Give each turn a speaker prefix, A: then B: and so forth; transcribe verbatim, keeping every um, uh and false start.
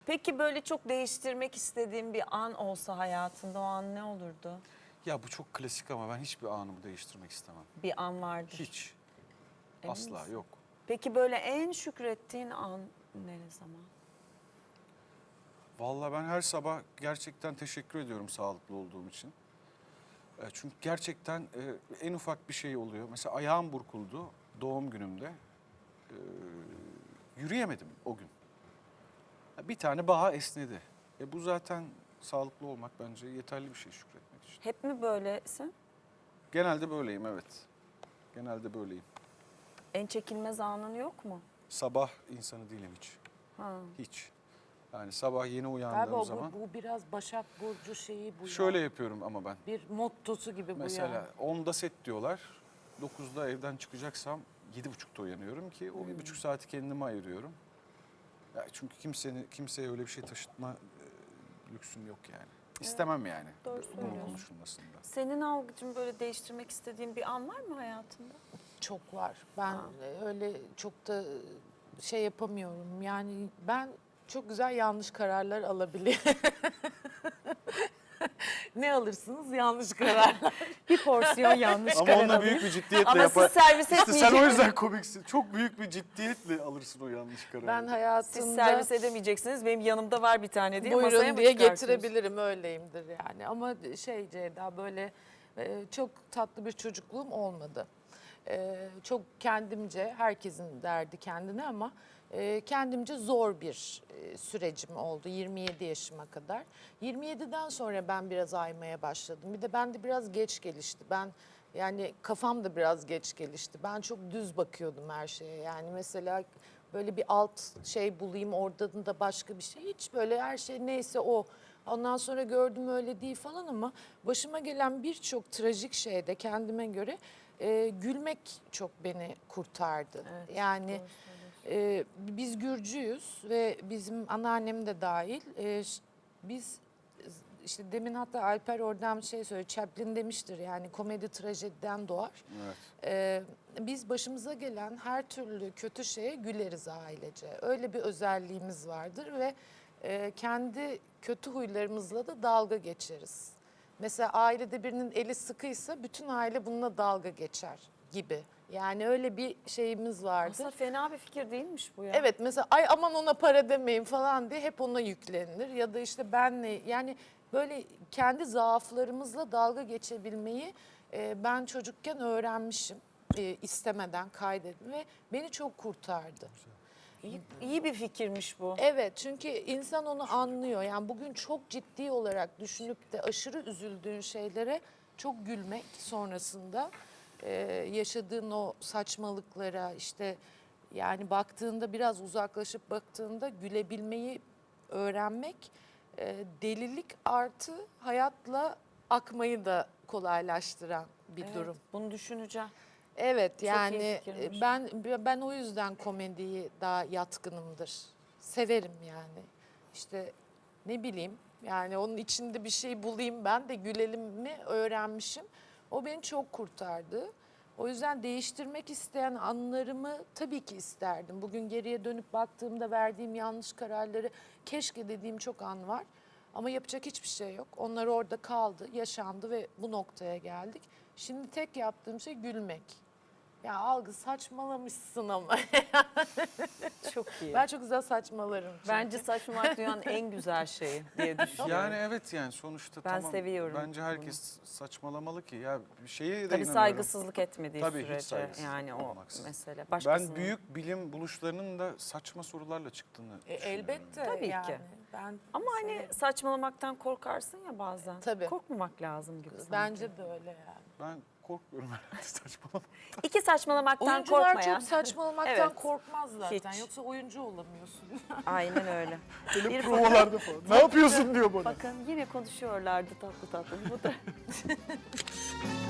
A: Peki böyle çok değiştirmek istediğin bir an olsa hayatında o an ne olurdu?
B: Ya bu çok klasik ama ben hiçbir anımı değiştirmek istemem.
A: Bir an vardır.
B: Hiç.
A: Emin
B: Asla
A: misin?
B: yok.
A: Peki böyle en şükrettiğin an ne zaman?
B: Vallahi ben her sabah gerçekten teşekkür ediyorum sağlıklı olduğum için. E, Çünkü gerçekten e, en ufak bir şey oluyor. Mesela ayağım burkuldu doğum günümde. E, Yürüyemedim o gün. Bir tane bağ esnedi. E bu zaten sağlıklı olmak bence yeterli bir şey şükretmek için.
A: Hep mi böylesin?
B: Genelde böyleyim, evet. Genelde böyleyim.
A: En çekilmez anın yok mu?
B: Sabah insanı değilim hiç.
A: Ha.
B: Hiç. Yani sabah yeni uyandığım
C: Galiba bu,
B: zaman
C: bu biraz Başak Burcu şeyi bu
B: şöyle
C: ya.
B: yapıyorum ama ben.
C: Bir mottosu gibi bu
B: Mesela
C: ya.
B: onda set diyorlar. dokuzda evden çıkacaksam yedi buçukta uyanıyorum ki o bir buçuk saati kendime ayırıyorum. Ya çünkü kimsenin kimseye öyle bir şey taşıtma e, lüksüm yok yani. İstemem yani
A: doğru
B: bunun
A: söylüyorsun.
B: konuşulmasında.
A: Senin Algıcığım böyle değiştirmek istediğin bir an var mı hayatında?
C: Çok var. Ben
A: Ha.
C: öyle çok da şey yapamıyorum. Yani ben çok güzel yanlış kararlar alabiliyorum. Ne alırsınız? Yanlış kararlar.
A: Bir porsiyon yanlış
B: Ama
A: karar
B: onunla
A: alıyor.
B: büyük bir ciddiyetle
A: Ama
B: yapar.
A: siz servis
B: İşte sen o
A: etmeyeceksiniz.
B: yüzden komiksin. Çok büyük bir ciddiyetle alırsın o yanlış kararı.
C: Ben hayatımda
A: Siz servis edemeyeceksiniz. Benim yanımda var bir tane diye masaya
C: buyurun
A: mı
C: diye
A: çıkartıyorsun?
C: getirebilirim, öyleyimdir yani. Ama şey Ceyda, böyle e, çok tatlı bir çocukluğum olmadı. E, çok kendimce, herkesin derdi kendine ama e, kendimce zor bir e, sürecim oldu yirmi yedi yaşıma kadar. yirmi yediden sonra ben biraz aymaya başladım. Bir de ben de biraz geç gelişti. Ben yani kafam da biraz geç gelişti. Ben çok düz bakıyordum her şeye. Yani mesela böyle bir alt şey bulayım, oradan da başka bir şey. Hiç böyle her şey neyse o. Ondan sonra gördüm öyle değil falan ama başıma gelen birçok trajik şeyde kendime göre e, gülmek çok beni kurtardı.
A: Evet,
C: yani
A: doğru
C: e, biz Gürcüyüz ve bizim anneannem de dahil. E, ş- biz işte demin hatta Alper oradan bir şey söyledi. Chaplin demiştir yani komedi trajediden doğar.
B: Evet.
C: Ee, biz başımıza gelen her türlü kötü şeye güleriz ailece. Öyle bir özelliğimiz vardır ve e, kendi kötü huylarımızla da dalga geçeriz. Mesela ailede birinin eli sıkıysa bütün aile bununla dalga geçer gibi. Yani öyle bir şeyimiz vardır.
A: Aslında fena bir fikir değilmiş bu ya.
C: Evet, mesela ay aman ona para demeyin falan diye hep ona yüklenilir. Ya da işte benle, yani böyle kendi zaaflarımızla dalga geçebilmeyi e, ben çocukken öğrenmişim. E, istemeden kaydedim ve beni çok kurtardı.
A: İyi, iyi bir fikirmiş bu.
C: Evet, çünkü insan onu anlıyor. Yani bugün çok ciddi olarak düşünüp de aşırı üzüldüğün şeylere çok gülmek sonrasında e, yaşadığın o saçmalıklara, işte yani baktığında biraz uzaklaşıp baktığında gülebilmeyi öğrenmek e, delilik artı hayatla akmayı da kolaylaştıran bir
A: Evet,
C: durum.
A: bunu düşüneceğim.
C: Evet,
A: iyi
C: yani
A: fikirmiş.
C: ben ben o yüzden komediyi daha yatkınımdır. Severim yani. İşte ne bileyim, yani onun içinde bir şey bulayım ben de gülelim mi öğrenmişim. O beni çok kurtardı. O yüzden değiştirmek isteyen anlarımı tabii ki isterdim. Bugün geriye dönüp baktığımda verdiğim yanlış kararları keşke dediğim çok an var. Ama yapacak hiçbir şey yok. Onlar orada kaldı, yaşandı ve bu noktaya geldik. Şimdi tek yaptığım şey gülmek. Ya Algı saçmalamışsın ama.
A: Çok iyi.
C: Ben çok güzel saçmalarım. çünkü.
A: Bence saçmalık dünyanın en güzel şeyi diye düşünüyorum.
B: Yani evet, yani sonuçta
A: Ben
B: tamam.
A: seviyorum
B: Bence herkes saçmalamalı ki ya bir şeye de
A: Tabii
B: inanıyorum.
A: saygısızlık etmediği
B: Tabii, hiç
A: sürece
B: saygısızlık
A: yani o
B: olmaksızın.
A: mesele. Başkasının...
B: Ben büyük bilim buluşlarının da saçma sorularla çıktığını
C: E,
B: düşünüyorum.
C: elbette
A: Tabii
C: yani.
A: ki.
C: Ben
A: Ama hani
C: severim.
A: saçmalamaktan korkarsın ya bazen.
C: Tabii.
A: Korkmamak lazım gibi sanki.
C: Bence de öyle yani.
B: Ben korkmuyorum herhalde saçmalama.
A: İki saçmalamaktan
C: Oyuncular
A: korkmayan.
C: çok saçmalamaktan
A: Evet.
C: korkmaz zaten.
A: Hiç.
C: Yoksa oyuncu olamıyorsun.
A: Aynen öyle.
B: Böyle
A: Bir
B: provalarda falan. Ne yapıyorsun diyor bana.
A: Bakın yine konuşuyorlardı tatlı tatlı. Bu da